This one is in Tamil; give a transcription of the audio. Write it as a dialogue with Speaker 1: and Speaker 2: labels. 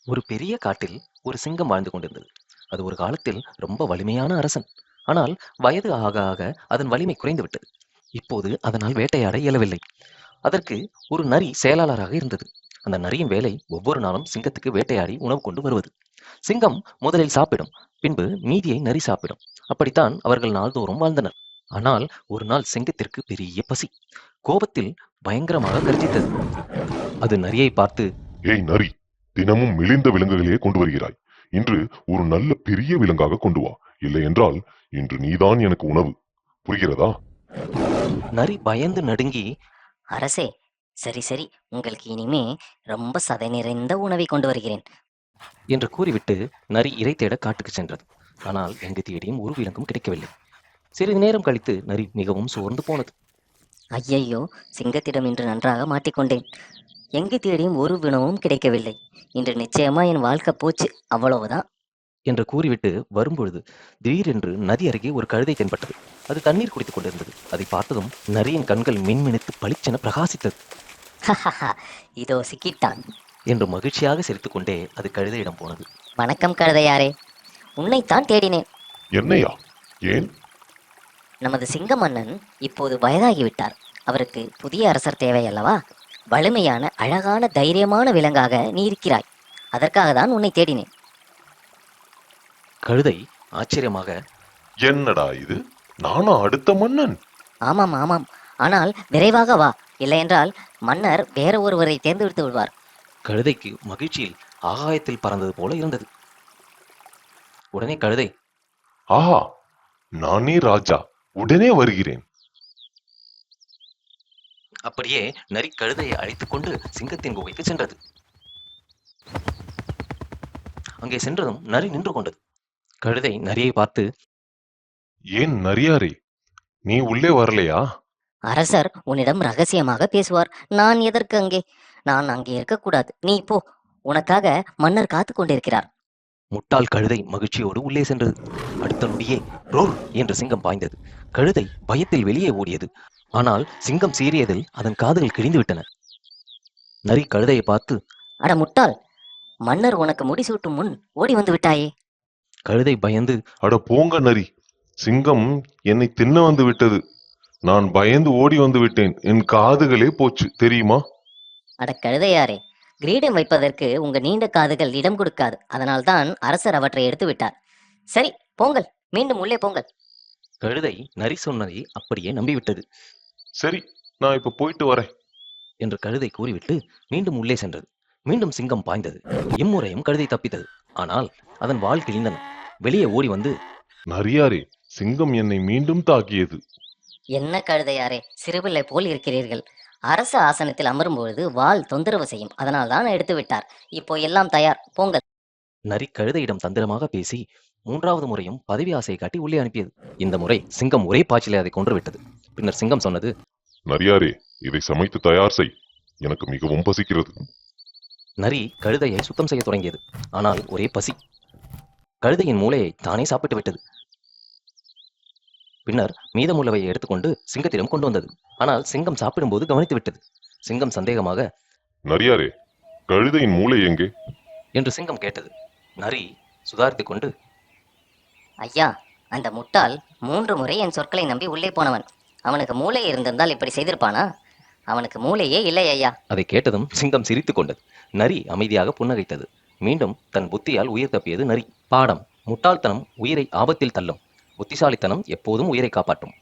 Speaker 1: ஒரு பெரிய காட்டில் ஒரு சிங்கம் வாழ்ந்து கொண்டிருந்தது. அது ஒரு காலத்தில் ரொம்ப வலிமையான அரசன். ஆனால் வயது ஆக ஆக அதன் வலிமை குறைந்து விட்டது. இப்போது அதனால் வேட்டையாட இயலவில்லை. அதற்கு ஒரு நரி செயலாளராக இருந்தது. அந்த நரியின் வேலை ஒவ்வொரு நாளும் சிங்கத்துக்கு வேட்டையாடி உணவு கொண்டு வருவது. சிங்கம் முதலில் சாப்பிடும், பின்பு மீதியை நரி சாப்பிடும். அப்படித்தான் அவர்கள் நாள்தோறும் வாழ்ந்தனர். ஆனால் ஒரு நாள் சிங்கத்திற்கு பெரிய பசி. கோபத்தில் பயங்கரமாக கர்ஜித்தது. அது நரியை பார்த்து,
Speaker 2: ஏய் நரி, தினமும் மெலிந்த விலங்குகளையே கொண்டு வருகிறாய். இன்று ஒரு நல்ல பெரிய விலங்காக கொண்டு வா. இல்லை என்றால் இன்று நீதான் எனக்கு உணவு. புரிகிறதா?
Speaker 1: நரி பயந்து நடுங்கி,
Speaker 3: அரசே, சரி சரி, உங்களுக்கு இனிமே ரொம்ப சதை நிறைந்த உணவை கொண்டு வருகிறேன்.
Speaker 1: என்று கூறிவிட்டு நரி இரை தேட காட்டுக்கு சென்றது. ஆனால் எங்கு தேடியும் ஒரு விலங்கும் கிடைக்கவில்லை. சிறிது நேரம் கழித்து நரி மிகவும் சோர்ந்து போனது.
Speaker 3: ஐயையோ, சிங்கத்திடம் இன்று நன்றாக மாட்டிக்கொண்டேன். எங்கு தேடியும் ஒரு உணவும் கிடைக்கவில்லை. இன்று நிச்சயமா என் வாழ்க்கை போச்சு, அவ்வளவுதான்.
Speaker 1: என்று கூறிவிட்டு வரும்பொழுது திடீரென்று நதி அருகே ஒரு கழுதை தென்பட்டது. அது தண்ணீர் குடித்துக் கொண்டிருந்தது. அதை பார்த்ததும் நரியின் கண்கள் மின்மினித்து பளிச்சென பிரகாசித்தது.
Speaker 3: இதோ சிக்கிட்டான்
Speaker 1: என்று மகிழ்ச்சியாக சிரித்துக்கொண்டே அது கழுதையிடம் போனது.
Speaker 3: வணக்கம் கழுதையாரே, உன்னைத்தான் தேடினேன்.
Speaker 2: என்னையா? ஏன்?
Speaker 3: நமது சிங்க மன்னன் இப்போது வயதாகிவிட்டார். அவருக்கு புதிய அரசர் தேவை அல்லவா? வலிமையான அழகான தைரியமான விலங்காக நீ இருக்கிறாய். அதற்காக தான் உன்னை தேடினேன்.
Speaker 1: கழுதை ஆச்சரியமாக,
Speaker 2: என்னடா இது? நானா அடுத்த மன்னன்?
Speaker 3: ஆமாம் ஆமாம், ஆனால் விரைவாக வா, இல்லையென்றால் மன்னர் வேற ஒருவரை தேர்ந்தெடுத்து விடுவார்.
Speaker 1: கழுதைக்கு மகிழ்ச்சியில் ஆகாயத்தில் பறந்தது போல இருந்தது. உடனே கழுதை,
Speaker 2: ஆஹா, நானே ராஜா, உடனே வருகிறேன்.
Speaker 1: அப்படியே நரி கழுதையை அழைத்துக் கொண்டு சிங்கத்தின் குகைக்கு சென்றது. அங்கே சென்றதும் நரி நின்று கொண்டது. கழுதை நரியை பார்த்து,
Speaker 2: ஏன் நரியாரே, நீ உள்ளே வரலையா?
Speaker 3: அரசர் உன்னிடம் ரகசியமாக பேசுவார். நான் எதற்கு அங்கே? நான் அங்கே இருக்கக்கூடாது. நீ போ, உனக்காக மன்னர் காத்து கொண்டிருக்கிறார்.
Speaker 1: முட்டாள் கழுதை மகிழ்ச்சியோடு உள்ளே சென்றது. அடுத்த நொடியே ரோர் என்று சிங்கம் பாய்ந்தது. கழுதை பயத்தில் வெளியே ஓடியது. ஆனால் சிங்கம் சீறியதில் அதன் காதுகள் கிழிந்து விட்டன. நரி கழுதையை பார்த்து,
Speaker 3: அட முட்டாள், மன்னர் உனக்கு முடிசூட்டும் முன் ஓடி வந்து விட்டாயே.
Speaker 1: கழுதை பயந்து,
Speaker 2: அட போங்க நரி, சிங்கம் என்னை தின்ன வந்து விட்டது. நான் பயந்து ஓடி வந்து விட்டேன். என் காதுகளே போச்சு தெரியுமா?
Speaker 3: அட கழுதையாரே, கிரீடம் வைப்பதற்கு உங்க நீண்ட காதுகள் இடம் கொடுக்காது. அதனால்தான் அரசர் அவற்றை எடுத்து விட்டார். சரி, போங்கள், மீண்டும் உள்ளே போங்கள்.
Speaker 1: கழுதை நரி சொன்னதை அப்படியே நம்பிவிட்டது.
Speaker 2: சரி, நான் இப்ப போயிட்டு வரேன்
Speaker 1: என்று கழுதை கூறிவிட்டு மீண்டும் உள்ளே சென்றது. மீண்டும் சிங்கம் பாய்ந்தது. இம்முறையும் கழுதை தப்பித்தது. ஆனால் அதன் வால் கிழிந்தன. வெளியே ஓடி வந்து,
Speaker 2: நரியாரே, சிங்கம் என்னை மீண்டும் தாக்கியது.
Speaker 3: என்ன கழுதையாரே, சிறுபிள்ளை போல் இருக்கிறீர்கள். அரச ஆசனத்தில் அமரும்பொழுது வாள் தொந்தரவு செய்யும். அதனால் தான் எடுத்து விட்டார். இப்போ எல்லாம் தயார், போங்கள்.
Speaker 1: நரி கழுதையிடம் தந்திரமாக பேசி மூன்றாவது முறையும் பதவி ஆசையை காட்டி உள்ளே அனுப்பியது. இந்த முறை சிங்கம் ஒரே பாய்ச்சலை அதை கொன்று விட்டது. பின்னர் சிங்கம் சொன்னது,
Speaker 2: நரியாரே, இதை சமைத்து தயார் செய். எனக்கு மிகவும் பசிக்கிறது.
Speaker 1: நரி கழுதையை சுத்தம் செய்ய தொடங்கியது. ஆனால் ஒரே பசி. கழுதையின் மூளையை தானே சாப்பிட்டு விட்டது. பின்னர் மீதமுள்ளவையை எடுத்துக்கொண்டு சிங்கத்திடம் கொண்டு வந்தது. ஆனால் சிங்கம் சாப்பிடும்போது கவனித்து விட்டது. சிங்கம் சந்தேகமாக,
Speaker 2: நரியாரே, கழுதையின் மூளை எங்கே?
Speaker 1: என்று சிங்கம் கேட்டது. நரி சுதாரித்துக் கொண்டு,
Speaker 3: ஐயா, அந்த முட்டாள் 3 முறை என் சொற்களை நம்பி உள்ளே போனவன். அவனுக்கு மூளை இருந்திருந்தால் இப்படி செய்திருப்பானா? அவனுக்கு மூளையே இல்லை ஐயா.
Speaker 1: அதை கேட்டதும் சிங்கம் சிரித்துக் கொண்டது. நரி அமைதியாக புன்னகைத்தது. மீண்டும் தன் புத்தியால் உயிர் தப்பியது நரி. பாடம்: முட்டாள்தனம் உயிரை ஆபத்தில் தள்ளும். புத்திசாலித்தனம் எப்போதும் உயிரை காப்பாற்றும்.